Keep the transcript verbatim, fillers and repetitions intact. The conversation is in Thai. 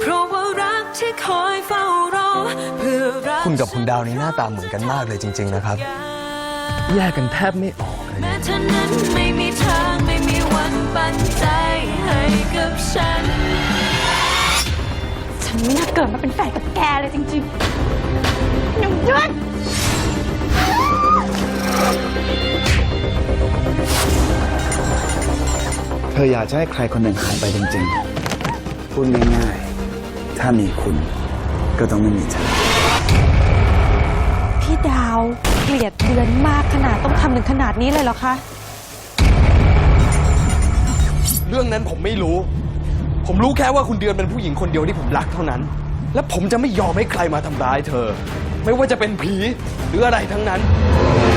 เพราะว่ารักที่คอยเฝ้ารอเพื่อรักคุณกับคุณดาวนี่หน้าตาเหมือนกันมากเลยจริงๆนะครับแยกกันแทบไม่ออกเลยแม้เธอนั้นไม่มีทางไม่มีวันปันใจให้กับฉันฉันไม่น่าเกิดมาเป็นแฟนกับแกเลยจริงๆหนุ่มยศเธออยากจะให้ใครคนหนึ่งหายไปจริงๆ พูดง่ายๆ ถ้ามีคุณก็ต้องไม่มีฉันพี่ดาวเกลียดเดือนมากขนาดต้องทำถึงขนาดนี้เลยเหรอคะเรื่องนั้นผมไม่รู้ ผมรู้แค่ว่าคุณเดือนเป็นผู้หญิงคนเดียวที่ผมรักเท่านั้น และผมจะไม่ยอมให้ใครมาทำร้ายเธอ ไม่ว่าจะเป็นผีหรืออะไรทั้งนั้น